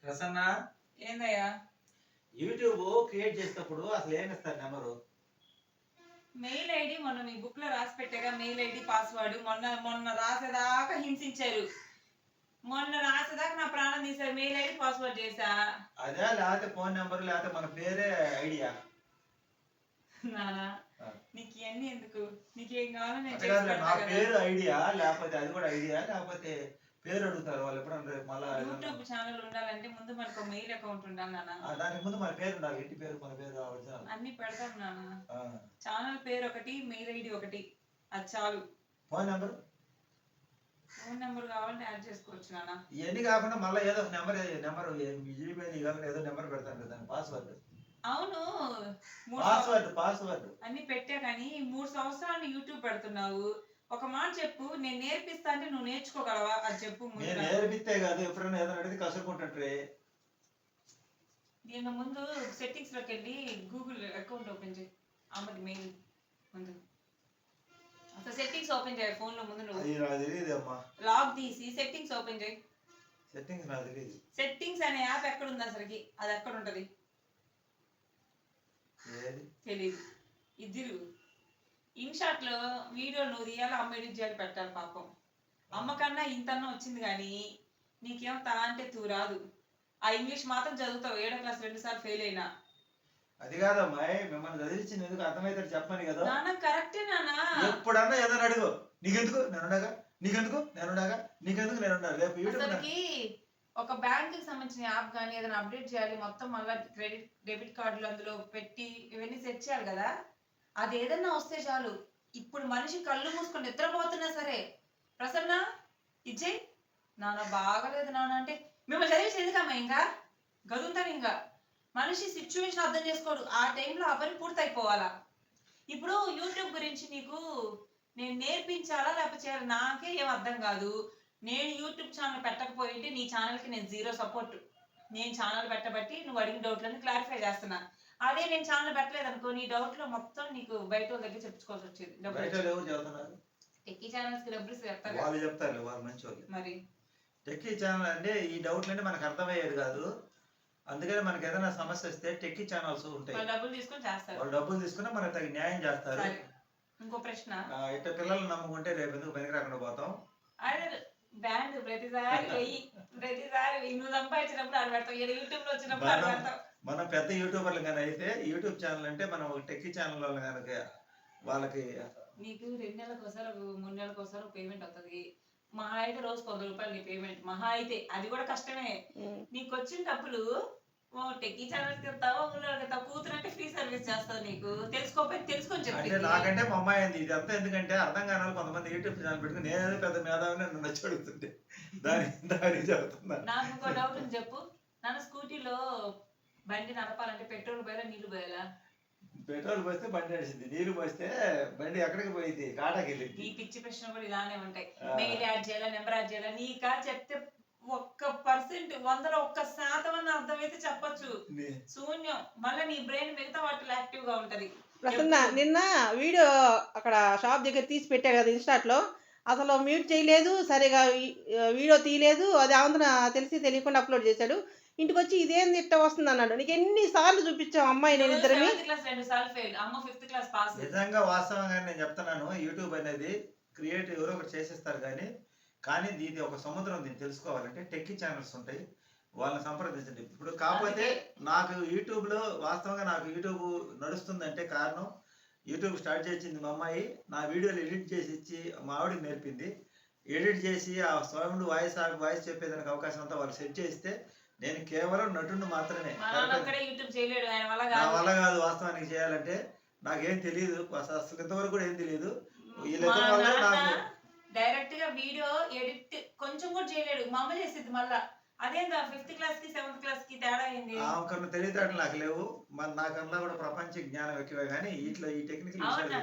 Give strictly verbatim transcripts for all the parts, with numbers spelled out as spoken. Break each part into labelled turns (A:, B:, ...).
A: ప్రసన్న
B: ఏందయ్యా
A: YouTube create చేసేటప్పుడు అసలు ఏమి ఇస్తారు నెంబరు?
B: మెయిల్ ఐడి మొన్న మీ బుక్ లో రాసి పెట్టాగా మెయిల్ ఐడి పాస్వర్డ్ మొన్న మొన్న రాసేదాకా హింసించారు. మొన్న రాసేదాకా నా ప్రాణం తీశారు. మెయిల్ ఐడి పాస్వర్డ్ చేసా.
A: అదే లేకపోతే ఫోన్ నెంబర్ లేకపోతే మన పేరే ఐడియా?
B: నానా నీకు ఇవన్నీ ఎందుకు? నీకేం కావాలో నేను
A: అంటే
B: చేసి
A: నా
B: పెడతా కదా.
A: పేరు ఐడియా లేకపోతే అది కూడా ఐడియా లేకపోతే పేరు అడుగుతారు వాళ్ళు ఎప్పుడన్నా రేపు మళ్ళా
B: యూట్యూబ్ ఛానల్ ఉండాలంటే ముందు మనకు మెయిల్ అకౌంట్ ఉండాలి నాన్న.
A: ఆ, దానికి ముందు మన పేరు ఉండాలి. ఇంటి పేరు మన పేరు ఒరిజినల్
B: అన్ని పెడతాం నాన్న. ఛానల్ పేరు ఒకటి మెయిల్ ఐడి ఒకటి అది చాలు.
A: ఫోన్ నెంబర్
B: ఫోన్ నెంబర్ కావాలంటే యాడ్ చేసుకోవచ్చు నాన్న.
A: ఇవన్నీ కాకుండా మళ్ళీ ఏదో ఒక నెంబర్ నెంబర్ జీమెయిల్ ఇవ్వాలని ఏదో నెంబర్ పెడతాను కదా పాస్వర్డ్.
B: అవును మూడు
A: పాస్వర్డ్ పాస్వర్డ్
B: అన్ని పెట్టా కానీ మూడు సంవత్సరాలు యూట్యూబ్ పెడుతున్నావు. ఒక మాట చెప్పు, నేను నేర్పిస్తా అంటే నువ్వు నేర్చుకోగలవా? అది చెప్పు.
A: నేను నేర్పిస్తే కాదు ఎప్పుడైనా ఏదైనా అడిగితే కసురుకుంటుంటే.
B: నేను ముందు సెట్టింగ్స్ లోకి వెళ్ళి గూగుల్ అకౌంట్ ఓపెన్ చేయి. అమ్మది మెయిల్ ముందు అసలు సెట్టింగ్స్ ఓపెన్ చేయి ఫోన్ లో ముందు. నువ్వు
A: అది నాకు తెలియదు అమ్మా.
B: లాగ్ తీసి సెట్టింగ్స్ ఓపెన్ చేయి.
A: సెట్టింగ్స్ నాకు తెలియదు.
B: సెట్టింగ్స్ అనే యాప్ ఎక్కడ ఉంది అసలుకి? అది ఎక్కడ ఉంటది తెలీదు. ఇద్దరు ఇన్షాట్ లో వీడియో నువ్వు తీయాలి, అమ్మ ఎడిట్ చేయాలి, పెట్టాలి. పాపం అమ్మ కన్నా ఇంతన్నా వచ్చింది కానీ నీకేమో తా అంటే తూ రాదు. ఆ ఇంగ్లీష్ మాత్రం చదువుతావు. ఏడో క్లాస్ రెండు సార్లు ఫెయిల్ అయినా.
A: అది కాదమ్మా, మిమ్మల్ని చదివించింది ఎందుకు అర్థమైతే చెప్పని కదా.
B: నాన్న కరెక్టే నాన్న.
A: ఎప్పుడన్నా ఏదైనా అడుగు, నీకెందుకు నేనుండగా, నీకెందుకు నేనుండగా, నీకెందుకు నేనుండగా. రేపు
B: అసలుకి ఒక బ్యాంక్ కి సంబంధించిన యాప్ కానీ ఏదైనా అప్డేట్ చేయాలి, మొత్తం మళ్ళీ క్రెడిట్ డెబిట్ కార్డులు అందులో పెట్టి ఇవన్నీ సెట్ చేయాలి కదా. అది ఏదన్నా వస్తే చాలు. ఇప్పుడు మనిషి కళ్ళు మూసుకొని నిద్రపోతున్నా సరే ప్రసన్న ఇచ్చే నాన్న బాగలేదు నాన్న అంటే మిమ్మల్ని చదివేసి ఎందుకమ్మా ఇంకా గదులుతాను. ఇంకా మనిషి సిచ్యువేషన్ అర్థం చేసుకోడు. ఆ టైంలో ఆ పని పూర్తయిపోవాలా. ఇప్పుడు యూట్యూబ్ గురించి నీకు నేను నేర్పించాలా లేకపోతే చేయాలి నాకే ఏం అర్థం కాదు. నేను యూట్యూబ్ ఛానల్ పెట్టకపోయింటే నీ ఛానల్కి నేను జీరో సపోర్ట్. నేను ఛానల్ పెట్టబట్టి నువ్వు అడిగిన డౌట్లను క్లారిఫై చేస్తున్నా. అదే నేను ఛానల్ పెట్టలేదు అనుకో, నీ డౌట్ లో మొత్తం నీకు బయట వాళ్ళ దగ్గర చెప్పుకోవాల్సి వచ్చేది. టెక్కీ ఛానల్స్ కి డబ్బులు చెప్తారు
A: వాళ్ళు చెప్తారు వాళ్ళు మంచి వాళ్ళు.
B: మరి
A: టెక్కీ ఛానల్ అంటే ఈ డౌట్లు అంటే మనకు అర్థమయ్యేది కాదు. అందుకని మనకి ఏదైనా సమస్య వస్తే టెక్కీ ఛానల్స్ ఉంటాయి.
B: వాళ్ళు డబ్బులు తీసుకొని చేస్తారు.
A: వాళ్ళు డబ్బులు తీసుకుని మనకు తగిన న్యాయం చేస్తారు.
B: ఇంకో ప్రశ్న,
A: ఇట్లా పిల్లల్ని నమ్ముకుంటే రేపు ఎందుకు పనికి రాకుండా పోతాం.
B: అదే బ్యాండ్ ప్రతిసారి వెయ్యి ప్రతిసారి వెయ్యి నువ్వు సంపాదించినప్పుడు ఆడ పెడతావు, యూట్యూబ్ లో వచ్చినప్పుడు ఆడ పెడతావు.
A: మనం పెద్ద యూట్యూబర్లు కానీ అయితే యూట్యూబ్ ఛానల్ అంటే మనం ఒక టెక్కీ ఛానల్ వాళ్ళు కనుక వాళ్ళకి
B: నీకు రెండు నెలలకు ఒకసారి మూడు నెలలకు ఒకసారి పేమెంట్ అవుతుంది. మహా అయితే రోజు వంద రూపాయలు నీ పేమెంట్ మహా అయితే. అది కూడా కష్టమే. నీకు వచ్చిన డబ్బులు టెక్కీ ఛానల్కి వెళ్తావా ఊళ్ళో వెళ్తావు. కూతురు అంటే ఫ్రీ సర్వీస్ చేస్తావు. నీకు తెలుసుకోకపోతే తెలుసుకొని చెప్పి.
A: నాకంటే మా అమ్మాయి అంది ఇది అంతా ఎందుకంటే అర్థం కాని కొంతమంది యూట్యూబ్ ఛానల్ పెట్టుకుని నేనేదో పెద్ద మేధావిని నన్ను నచ్చి అడుగుతుంటే దాని దానికి చెబుతున్నా.
B: నాకు ఇంకో డౌట్ ఉంది చెప్పు. నన్ను స్కూటీలో బండి నడపాలంటే పెట్రోల్ పోయాలా నీళ్లు పోయాలా?
A: పెట్రోల్ పోస్తే బండి నడిచింది, నీళ్లు పోస్తే బండి ఎక్కడికి పోయింది కాటాకి వెళ్ళింది.
B: ఈ పిచ్చి ప్రశ్న కూడా ఇలానే ఉంటాయి. మెయిల్ యాడ్ చేయాలా, నెంబర్ యాడ్ చేయాలా? నీకా చెప్తే ఒక్క పర్సెంట్ వందలో ఒక్క శాతం అన్న అర్థమైతే చెప్పొచ్చు. శూన్యం. మళ్ళీ నీ బ్రెయిన్ మిగతా వాటిలో యాక్టివ్ గా ఉంటది.
C: ప్రసన్న నిన్న వీడియో అక్కడ షాప్ దగ్గర తీసి పెట్టాడు కదా ఇన్స్టాట్ లో, అసలు మ్యూట్ చేయలేదు, సరిగా వీడియో తీయలేదు. అది ఆంధ్ర తెలిసి తెలియకుండా అప్లోడ్ చేశాడు. ఇంటికి వచ్చి ఇదేంది ఇట్ట వస్తుంది అన్నాడు. నీకు ఎన్ని సార్లు చూపించాం అమ్మాయి నేను ఇద్దరిని.
A: నిజంగా వాస్తవంగా నేను చెప్తున్నాను, యూట్యూబ్ అనేది క్రియేట్ ఎవరో ఒకటి చేసేస్తారు కానీ కానీ ఇది ఒక సముద్రం. దీన్ని తెలుసుకోవాలంటే టెక్కీ ఛానల్స్ ఉంటాయి, వాళ్ళని సంప్రదించండి. ఇప్పుడు కాకపోతే నాకు యూట్యూబ్లో వాస్తవంగా నాకు యూట్యూబ్ నడుస్తుందంటే కారణం యూట్యూబ్ స్టార్ట్ చేసింది మా అమ్మాయి. నా వీడియోలు ఎడిట్ చేసి ఇచ్చి మా ఆవిడకి నేర్పింది. ఎడిట్ చేసి ఆ సౌండ్ వాయిస్ వాయిస్ చెప్పేదానికి అవకాశం అంతా వాళ్ళు సెట్ చేస్తే నేను కేవలం నటుడు మాత్రమే. నా వల్ల కాదు వాస్తవానికి చేయాలంటే. నాకేం తెలియదు అసలు, ఇంతవరకు కూడా ఏం తెలియదు. వీళ్ళిద్దరి వల్ల నాకు
B: డైరెక్ట్ గా వీడియో ఎడిట్ కొంచెం కూడా చేయలేడు. మా అమ్మ చేసింది. మళ్ళా అదేందా ఫిఫ్త్ క్లాస్ కి సెవెంత్ క్లాస్ కి తేడా అయింది.
A: ఆమెకన్నా తెలియదు నాకు లేవు. మరి నాకన్నా కూడా ప్రపంచ జ్ఞానం ఎక్కువే కానీ ఇట్లా ఈ టెక్నికల్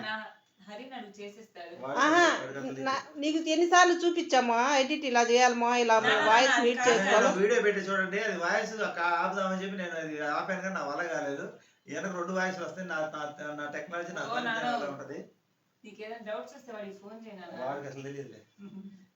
C: నీకు ఎన్నిసార్లు చూపించామా ఎడిట్ ఇలా చేయాలమా, ఇలా వాయిస్ మీట్ చేసుకోవాలి.
A: వీడియో పెట్టి చూడండి, అది వాయిస్ ఆపుదామని చెప్పి నేను అది ఆపాను కానీ నా వల్ల కాలేదు. వెనక రెండు వాయిస్ వస్తాయి. నా నా టెక్నాలజీ నాకు ఉంటది.
B: నీకేదైనా డౌట్స్ వస్తే వాడికి ఫోన్ చేయాలి.
A: వాడికి అసలు తెలియదులే.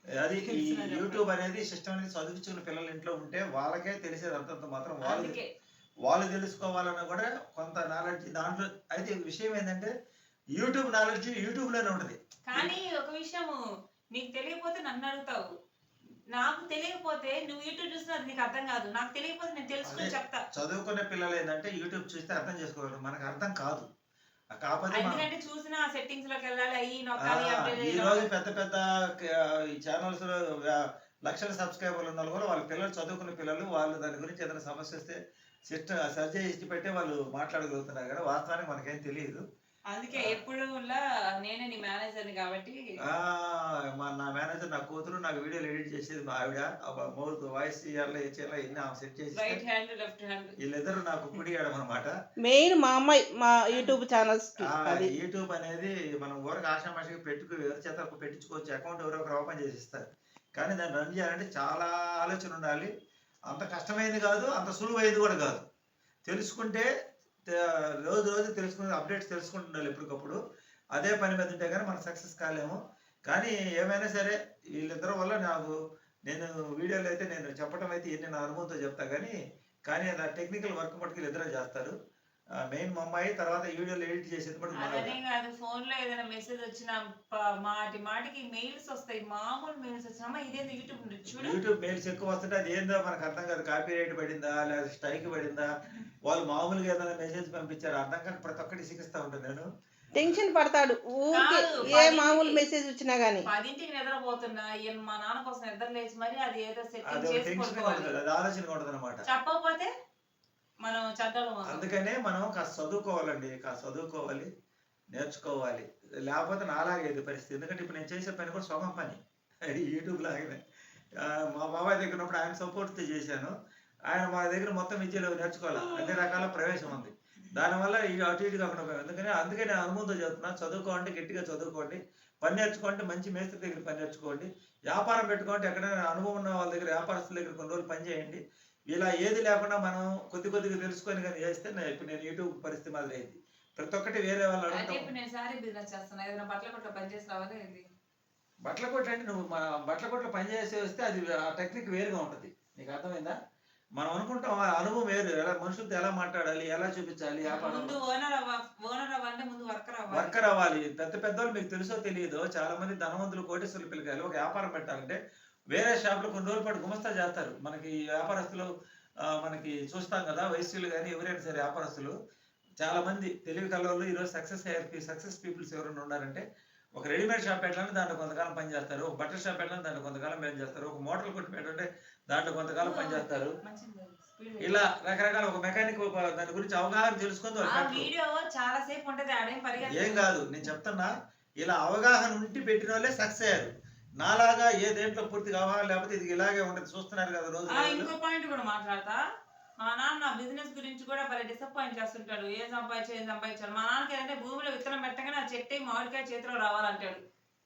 A: అది ఈ
B: తెలుసునా చెప్పండి.
A: యూట్యూబ్ అనేది సిస్టమ్ అనేది చదివించుకున్న పిల్లలు ఇంట్లో ఉంటే వాళ్ళకే తెలిసేది అంతంత మాత్రం వాళ్ళు
B: అందుకే
A: వాళ్ళు తెలుసుకోవాలన్నా కూడా కొంత నాలెడ్జ్ దాంట్లో. అయితే విషయం ఏంటంటే యూట్యూబ్ నాలెడ్జ్ యూట్యూబ్ లోనే ఉంటది.
B: కానీ ఒక విషయము నీకు తెలియకపోతే నన్ను అడుగుతావు, నాకు తెలియకపోతే నువ్వు యూట్యూబ్ చూసినా అది నీకు అర్థం కాదు, నాకు తెలియకపోతే నేను తెలుసుకొని
A: అదే
B: చెప్తా.
A: చదువుకునే పిల్లలు ఏంటంటే యూట్యూబ్ చూస్తే అర్థం చేసుకోగలరు, మనకు అర్థం కాదు. ఆ కాకపోతే మనం
B: ఎందుకంటే చూసిన సెట్టింగ్స్ లోకి వెళ్ళాలి, అయ్యి
A: ఆ,
B: నొక్కాలి, update
A: ఈ
B: చేయాలి.
A: రోజు పెద్ద పెద్ద క- ఈ ఛానల్స్ లో వ్య- లక్షల సబ్స్క్రైబర్లు ఉన్న వాళ్ళు కూడా వాళ్ళ పిల్లలు చదువుకునే పిల్లలు వాళ్ళు దాని గురించి ఏదైనా సమస్య వస్తే సిస్టమ్ సర్చ్ చేసి పెట్టి వాళ్ళు మాట్లాడగలుగుతున్నారు కదా, వాస్తవానికి మనకేం తెలియదు.
B: అందుకే ఎప్పుడు నేనే నీ మేనేజర్ని కాబట్టి
A: ఆ, మా నా మేనేజర్ నా కూతురు నాకు వీడియోలు ఎడిట్ చేసేది మా ఆవిడ. మౌత్ వాయిస్ చేయాలి ఏ చేయాలి ఇన్ని ఆమె సెట్ చేసి
B: రైట్ హ్యాండ్ లెఫ్ట్ హ్యాండ్.
A: వీళ్ళిద్దరు నాకు కుడి అనమాట.
C: మెయిన్ మా అమ్మాయి మా యూట్యూబ్ ఛానల్స్
A: ఆ
C: అది
A: యూట్యూబ్ అనేది మనం ఊరకు ఆషామాషిగా పెట్టుకు ఎవరి చేత పెట్టించుకోవచ్చు, అకౌంట్ ఎవరో ఒకరు ఓపెన్ చేసి ఇస్తారు. కానీ దాన్ని రన్ చేయాలంటే చాలా ఆలోచన ఉండాలి. అంత కష్టమైనది కాదు, అంత సులువైనది కూడా కాదు. తెలుసుకుంటే తే- రోజు రోజు తెలుసుకునే అప్డేట్స్ తెలుసుకుంటుండాలి ఎప్పటికప్పుడు. అదే పని మీద ఉంటే కానీ మనం సక్సెస్ కాలేము. కానీ ఏమైనా సరే వీళ్ళిద్దరి వల్ల నాకు నేను వీడియోలు అయితే నేను చెప్పడం అయితే ఎన్ని నా అనుభవంతో చెప్తా కానీ కానీ నా టెక్నికల్ వర్క్ మటుకు వీళ్ళిద్దరే చేస్తారు. మెయిన్ మా అమ్మాయి, తర్వాత వీడియోలు ఎడిట్ చేసేది మటుకు మా ఆవిడ.
B: అదనే కాదు, ఫోన్ లో ఏదైనా మెసేజ్ వచ్చినా ప- మాటి మాటికి మెయిల్స్ వస్తాయి, మామూలు మెయిల్స్ వచ్చినా ఇదేంది యూట్యూబ్ ఉంది చూడు.
A: యూట్యూబ్ మెయిల్స్ ఎక్కువ వస్తుంటే అది ఏందో మనకు అర్థం కాదు. కాపీ రైట్ పడిందా లేదా స్ట్రైక్ పడిందా, వాళ్ళు మామూలుగా ఏదైనా మెసేజ్ పంపించారు అర్థం కాక ప్రతి ఒక్కటి సిగిస్తా ఉంటాను నేను.
C: టెన్షన్ పడతాడు ఊరికే
B: కాదు,
C: ఏ
B: పదింటికి-
C: మామూలు మెసేజ్ వచ్చినా గానీ.
B: పదింటికి నిద్రపోతున్నా ఈయన మా నాన్న కోసం నిద్ర లేచి మరి అది ఏదో
A: అది
B: సెట్టింగ్
A: ఒక
B: చేసి
A: టెన్షన్
B: పడుకోవాలి.
A: ఉంటుంది, అది ఆలోచన ఉంటుంది అనమాట.
B: చెప్పకపోతే మనం చెడ్డలు
A: అందుకనే మనం కాస్త చదువుకోవాలండి, కాస్త చదువుకోవాలి, నేర్చుకోవాలి. లేకపోతే నాలాగేది పరిస్థితి. ఎందుకంటే ఇప్పుడు నేను చేసే పని కూడా సొగం పని, అది యూట్యూబ్ లాగానే. ఆ, మా బాబాయ్ దగ్గర ఉన్నప్పుడు ఆయన సపోర్ట్తో చేశాను. ఆయన మా దగ్గర మొత్తం విద్యలో నేర్చుకోవాలి, అన్ని రకాల ప్రవేశం ఉంది. దానివల్ల ఈ అటు ఇటు కాకుండా పోయాం. అందుకని అందుకే నేను అనుభవంతో చెప్తున్నా, చదువుకోండి, గట్టిగా చదువుకోండి, పని నేర్చుకోండి, మంచి మేస్త్రి దగ్గర పని నేర్చుకోండి, వ్యాపారం పెట్టుకోండి. ఎక్కడైనా అనుభవం ఉన్న వాళ్ళ దగ్గర వ్యాపారస్తుల దగ్గర కొన్ని రోజులు పని చేయండి. ఇలా ఏది లేకుండా మనం కొద్ది కొద్దిగా తెలుసుకొని కానీ చేస్తే నేను ఇప్పుడు నేను యూట్యూబ్ పరిస్థితి మాదిరి అయింది. ప్రతి ఒక్కటి వేరే వాళ్ళు
B: అయితే
A: అడగటం.
B: ఇప్పుడు నేను సారీ బిజినెస్ చేస్తున్నా, ఏదైనా బట్టల కొట్ల పని చేసి రావాలి ఏంది?
A: బట్టల కొట్టు అంటే నువ్వు మా బట్టల కొట్లో పని చేసి వస్తే అది ఆ టెక్నిక్ వేరుగా ఉంటుంది. నీకు అర్థమైందా? మనం అనుకుంటాం ఆ అనుభవం వేరు, ఎలా మనుషులతో ఎలా మాట్లాడాలి, ఎలా చూపించాలి, వ్యాపారం
B: ముందు ఓనర్ అవ్వ ఓనర్ అవ్వాలంటే ముందు వర్కర్ అవ్వాలి.
A: వర్కర్ అవ్వాలి. పెద్ద పెద్దోళ్ళు మీకు తెలుసో తెలియదో చాలా మంది ధనవంతులు కోటేశ్వరులు పిల్లకాయలు ఒక వ్యాపారం పెట్టాలంటే వేరే షాప్ లో కొన్ని రోజుల పాటు గుమస్తా చేస్తారు. మనకి ఈ వ్యాపారస్తులు ఆ, మనకి చూస్తాం కదా, వయస్సులు కానీ ఎవరైనా సరే వ్యాపారస్తులు చాలా మంది తెలివి కల్లోళ్ళు ఈరోజు సక్సెస్ అయ్యారు. సక్సెస్ పీపుల్స్ ఎవరైనా ఉన్నారంటే ఒక రెడీమేడ్ షాప్ పెట్టాలంటే దాంట్లో కొంతకాలం పని చేస్తారు, ఒక బట్టల షాప్ పెట్టాలంటే దాంట్లో కొంతకాలం పని చేస్తారు, ఒక మోటార్ కొట్టు పెట్టాలంటే దాంట్లో కొంతకాలం పని చేస్తారు.
B: మంచిది, speed
A: ఇలా రకరకాల ఒక మెకానిక్ దాని గురించి అవగాహన తెలుసుకొని వాళ్ళు
B: ఆ
A: పెట్టరు.
B: వీడియో చాలా సేపు ఉంటది, ఆడేం పరిగెత్తదు.
A: ఏం కాదు, నేను చెప్తున్నా, ఇలా అవగాహన ఉండి పెట్టిన వాళ్ళే సక్సెస్ అయ్యారు. నాలాగా ఏ దేంట్లో పూర్తిగా అవగాహన లేకపోతే ఇది ఇలాగే ఉండదు. చూస్తున్నారు కదా రోజు
B: ఆ,
A: రోజులు.
B: ఇంకో పాయింట్ కూడా మాట్లాడతా. మా నాన్న బిజినెస్ గురించి కూడా భలే డిసప్పాయింట్ చేస్తుంటాడు. ఏం సంపాదించాలి ఏం సంపాదించాలి. మా నాన్నకి ఏంటంటే భూమిలో విత్తనం పెట్టగానే ఆ చెట్టు మామిడికాయ చేతిలో రావాలంటాడు.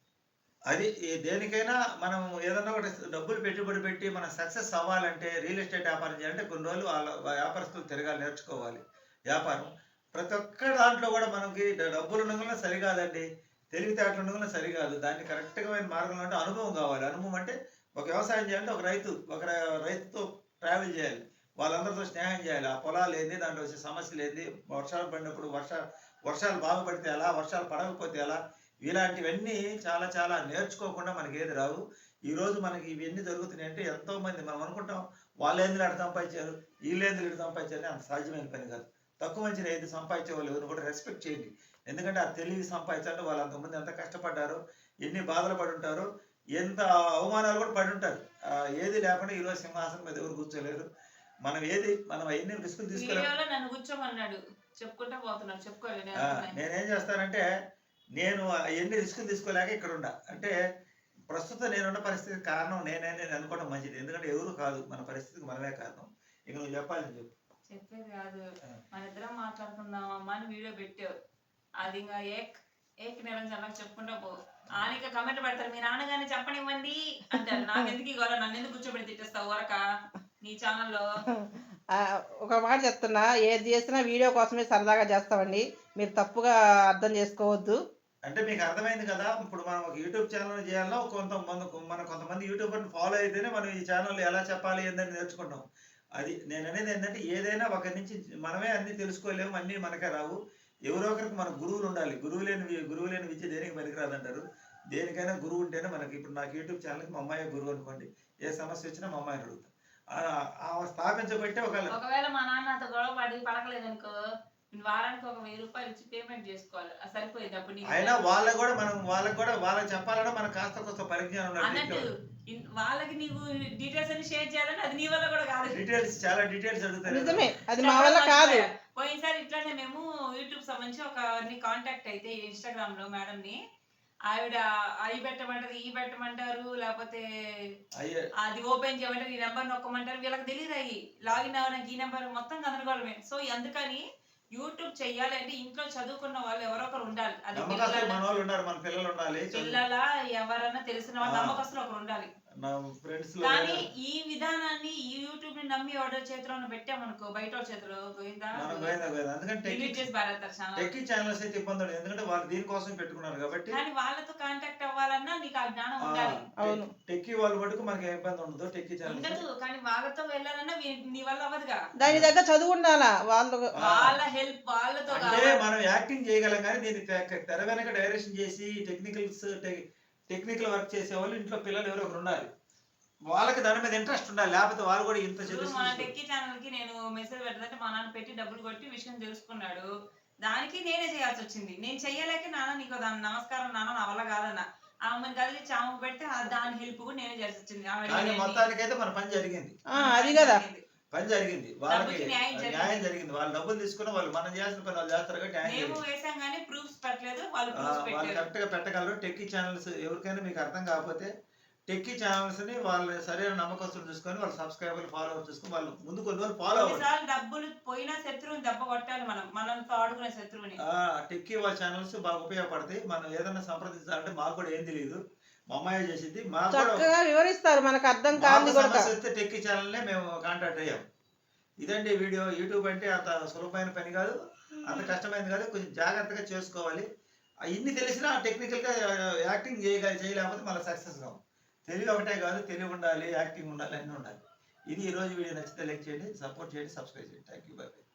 A: అది ఈ దేనికైనా మనం ఏదన్నా ఒకటి డబ్బులు పెట్టుబడి పెట్టి మనం సక్సెస్ అవ్వాలంటే, రియల్ ఎస్టేట్ వ్యాపారం చేయాలంటే కొన్ని రోజులు వాళ్ళ వ్యాపారస్తులు తిరగాలి, నేర్చుకోవాలి వ్యాపారం. ప్రతి ఒక్క దాంట్లో కూడా మనకి డబ్బులు ఉండగా సరికాదండి, తెలివితేటలు ఉండగా సరికాదు. దాన్ని కరెక్ట్గా మార్గంలో అంటే అనుభవం కావాలి. అనుభవం అంటే ఒక వ్యవసాయం చేయాలంటే ఒక రైతు ఒక రై- రైతుతో ట్రావెల్ చేయాలి, వాళ్ళందరితో స్నేహం చేయాలి. ఆ పొలాలు ఏంది, దాంట్లో వచ్చే సమస్యలు ఏంది, వర్షాలు పడినప్పుడు వర్ష వర్షాలు బాగా పడితే ఎలా, వర్షాలు పడకపోతే ఎలా, ఇలాంటివన్నీ చాలా చాలా నేర్చుకోకుండా మనకి ఏది రావు. ఈరోజు మనకి ఇవన్నీ జరుగుతున్నాయి అంటే ఎంతో మంది మనం అనుకుంటాం వాళ్ళు ఏంది అటు సంపాదించారు, వీళ్ళేంది ఇటు సంపాదించారు, అంత సాధ్యమైన పని కాదు. తక్కువ మంచిని ఏది సంపాదించే వాళ్ళు ఎవరు కూడా రెస్పెక్ట్ చేయండి. ఎందుకంటే ఆ తెలివి సంపాదించాలంటే వాళ్ళు అంతకుముందు ఎంత కష్టపడ్డారో, ఎన్ని బాధలు పడి ఉంటారో, ఎంత అవమానాలు కూడా పడి ఉంటారు. ఆ, ఏది లేకుండా ఈరోజు సింహాసనం మీద ఎవరు కూర్చోలేరు. మనం ఏది మనం ఎన్ని రిస్కులు తీసుకోలేము.
B: వీడియోలో నన్ను కూర్చోమన్నాడు, చెప్పుకుంటా పోతున్నాడు, చెప్పుకోవాలి.
A: ఆ, నేనేం చేస్తానంటే నేను ఎన్ని రిస్కులు తీసుకోలేక ఇక్కడ ఉండా. అంటే ప్రస్తుతం నేనున్న పరిస్థితి కారణం నేనే నేను అనుకోవడం మంచిది. ఎందుకంటే ఎవరు కాదు, మన పరిస్థితికి మనమే కారణం. ఇక నువ్వు చెప్పాలి, చెప్పు.
B: చెప్పేది కాదు, మన ఇద్దరం మాట్లాడుకుందాం అమ్మా అని వీడియో పెట్టావు. అది ఇంకా ఏక్ ఏక్ నిరంజన్ చెప్పుకుంటా పో. ఆనిక కమెంట్ పెడతారు, మీ నాన్నగారిని చెప్పనివ్వండి అంటారు. నాకు ఎందుకు ఈ గొడవ, నన్ను ఎందుకు కూర్చోబెట్టి తిట్టేస్తావు వరక నీ ఛానల్లో.
C: ఆ, ఒక మాట చెప్తున్నా, ఏది చేసినా వీడియో కోసమే సరదాగా చేస్తామండి, మీరు తప్పుగా అర్థం చేసుకోవద్దు.
A: అంటే మీకు అర్థమైంది కదా ఇప్పుడు మనం ఒక యూట్యూబ్ ఛానల్ చేయాలన్నా కొంతమంది మన కొంతమంది యూట్యూబర్ని ఫాలో అయితేనే మనం ఈ ఛానల్ ఎలా చెప్పాలి ఏందని నేర్చుకుంటాం. అది నేను అనేది ఏంటంటే ఏదైనా ఒకరి నుంచి మనమే అన్ని తెలుసుకోలేము, అన్నీ మనకే రావు. ఎవరో ఒకరికి మన గురువులు ఉండాలి. గురువు లేని వి- గురువు లేని విద్య దేనికి పనికిరాదు అంటారు. దేనికైనా గురువు ఉంటేనే మనకి. ఇప్పుడు నాకు యూట్యూబ్ ఛానల్కి మా అమ్మాయి గురువు అనుకోండి, ఏ సమస్య వచ్చినా మా అమ్మాయిని అడుగుతాను. ఆ- ఆ స్థాపించబట్టే ఒక
B: ఒకవేళ మా నాన్న నాతో గొడవ పడి పడకలేదు అనుకో, నేను వారానికి ఒక వెయ్యి రూపాయలు ఇచ్చి పేమెంట్ చేసుకోవాలి. అది సరిపోయేది అప్పుడు నీకు.
A: అయినా వాళ్ళకు కూడా మనం వాళ్ళకి కూడా వాళ్ళకి చెప్పాలంటే మనకు కాస్త కొంత పరిజ్ఞానం ఉండాలి.
B: అన్నట్టు ఇన్- వాళ్ళకి నీవు డీటెయిల్స్ అన్ని షేర్ చేయాలని అది నీ వల్ల కూడా కాదు.
A: డీటెయిల్స్ చాలా డీటెయిల్స్ అడుగుతారు.
C: నిజమే, అది మా వల్ల కాదు.
B: పోయినసారి ఇట్లానే మేము యూట్యూబ్ సంబంధించి ఒక కాంటాక్ట్ అయితే ఇన్స్టాగ్రామ్ లో మేడం ని, ఆవిడ అవి పెట్టమంటారు, ఈ పెట్టమంటారు, లేకపోతే
A: అయ్యే
B: అది ఓపెన్ చేయమంటారు, ఈ నెంబర్ నొక్కమంటారు. వీళ్ళకి తెలియదు అయ్యి లాగిన్ అవ్వడానికి ఈ నెంబర్ మొత్తం గందరగోళమే. సో అందుకని యూట్యూబ్ చెయ్యాలి అంటే ఇంట్లో చదువుకున్న వాళ్ళు ఎవరో ఒకరు ఉండాలి. అది
A: నమ్మకస్తులు
B: పిల్లల
A: మన వాళ్ళు ఉన్నారు, మన పిల్లలు ఉండాలి,
B: పిల్లల ఎవరన్నా తెలిసిన వాళ్ళు
A: ఆ.
B: నమ్మకస్తులు ఒకరు ఉండాలి.
A: నా ఫ్రెండ్స్ లో
B: కానీ ఈ విధానాన్ని ఈ యూట్యూబ్ ని నమ్మి ఆర్డర్ చేతిలో పెట్టామనుకో, బయట వాళ్ళ చేతిలో పోయిందా
A: మనం పోయిందా పోయిందా. అందుకని
B: డిలీట్ చేసి పారేస్తారు ఛానల్.
A: టెక్కీ ఛానల్స్ అయితే ఇబ్బంది ఉండదు, ఎందుకంటే వాళ్ళు దీనికోసం పెట్టుకున్నారు కాబట్టి.
B: కానీ వాళ్ళతో కాంటాక్ట్ అవ్వాలన్నా నీకు ఆ జ్ఞానం
A: ఆ,
B: ఉండాలి.
C: అవును.
A: టెక్కీ వాళ్ళు మటుకు మనకి ఏ ఇబ్బంది ఉండదు. టెక్కీ ఛానల్స్
B: ఉండదు, కానీ వాళ్ళతో వెళ్ళాలన్నా వీ- నీ వల్ల అవ్వదుగా.
C: దాని దగ్గర చదువు ఉండాలా వాళ్ళు.
B: వాళ్ళ హెల్ప్ వాళ్ళతో
A: అంటే
B: కావాలి.
A: మనం యాక్టింగ్ చేయగలం కానీ దీన్ని తె- తెర వెనక డైరెక్షన్ చేసి టెక్నికల్స్ టెక్నికల్ వర్క్ చేసే వాళ్ళు ఇంట్లో పిల్లలు ఎవరో ఒకరు ఉండాలి. వాళ్ళకి దాని మీద ఇంట్రెస్ట్ ఉండాలి, లేకపోతే వాళ్ళు కూడా ఇంత
B: ఇప్పుడు
A: చదువు
B: మన టెక్కీ ఛానల్ కి నేను మెసేజ్ పెట్టదంటే మా నాన్న పెట్టి డబ్బులు కొట్టి విషయం తెలుసుకున్నాడు. దానికి నేనే చేయాల్సి వచ్చింది. నేను చెయ్యలేక నాన్న నీకు దాని నమస్కారం నాన్న, నా వల్ల కాదన్న. ఆమెను కదిలిచ్చి ఆమెకు పెడితే ఆ దాని హెల్ప్ కూడా నేనే చేయాల్సి వచ్చింది. ఆమె
A: కానీ
B: అడిగింది.
A: మొత్తానికైతే మన పని జరిగింది.
C: ఆ, అది కదా.
A: పని జరిగింది, వాళ్ళకి
B: డబ్బుకి న్యాయం జరిగింది.
A: న్యాయం జరిగింది. వాళ్ళు డబ్బులు తీసుకున్న వాళ్ళు మనం చేసిన పని వాళ్ళు చేస్తారు కాబట్టి న్యాయం
B: మేము
A: జరిగింది.
B: వేసాం కానీ ప్రూఫ్స్ పెట్టలేదు, వాళ్ళు
A: ఆ,
B: ప్రూఫ్స్
A: వాళ్ళు
B: పెట్టలేదు.
A: కరెక్ట్ గా పెట్టగలరు. టెక్కీ ఛానల్స్ ఎవరికైనా మీకు అర్థం కాకపోతే టెక్కీ ఛానల్స్ ని వాళ్ళు సరైన నమ్మకస్తులు చూసుకొని వాళ్ళు సబ్స్క్రైబర్లు ఫాలోవర్ చూసుకొని వాళ్ళు ముందు కొన్ని రోజులు ఫాలో అవ్వాలి.
B: కొన్నిసార్లు డబ్బులు పోయినా శత్రువుని దెబ్బ కొట్టాలి మనం, మనతో ఆడుకునే శత్రువుని.
A: ఆ టెక్కీ వాళ్ళ ఛానల్స్ బాగా ఉపయోగపడతాయి. మనం ఏదైనా సంప్రదించాలంటే మాకు కూడా ఏం తెలియదు, మా అమ్మాయి చేసింది. మాకు కూడా
C: చక్కగా వివరిస్తారు, మనకు అర్థం కాదు
A: మాకు
C: కూడా.
A: సమస్య వస్తే టెక్కీ ఛానల్నే మేము కాంటాక్ట్ అయ్యాం. ఇదండి వీడియో. యూట్యూబ్ అంటే అంత సులభమైన పని కాదు, అంత కష్టమైనది కాదు, కొంచెం జాగ్రత్తగా చేసుకోవాలి. ఆ ఇన్ని తెలిసినా టెక్నికల్గా యాక్టింగ్ చేయగలి చేయలేకపోతే మళ్ళీ సక్సెస్ కావు. తెలివి ఒకటే కాదు, తెలివి ఉండాలి, యాక్టింగ్ ఉండాలి, అన్నీ ఉండాలి. ఇది ఈరోజు వీడియో నచ్చితే లైక్ చేయండి, సపోర్ట్ చేయండి, సబ్స్క్రైబ్ చేయండి. Thank you, bye by.